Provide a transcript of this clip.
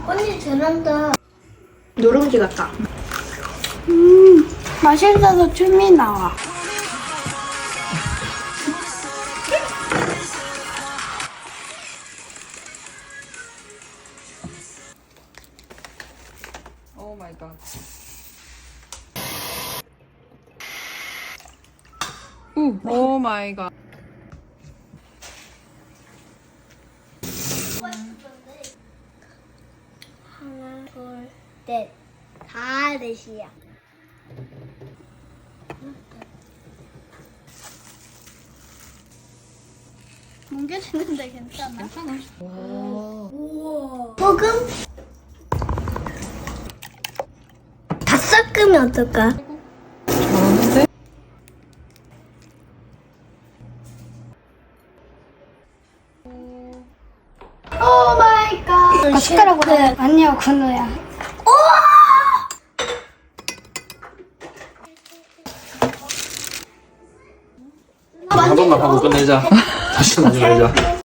언니 잘한다. 누룽지 같다. 맛있어서 춤이 나와. 오 마이 갓. 오 마이 갓. 하나, 둘, 넷. 다 넷이야. 뭉개지는데 괜찮아? 괜찮아. 소금? 다 섞으면 어떨까? 잘하는데? 오 마이 갓. 숟가락으로. 아니야, 건우야. 한 번만 하고 끝내자. 다시 나중에 하자.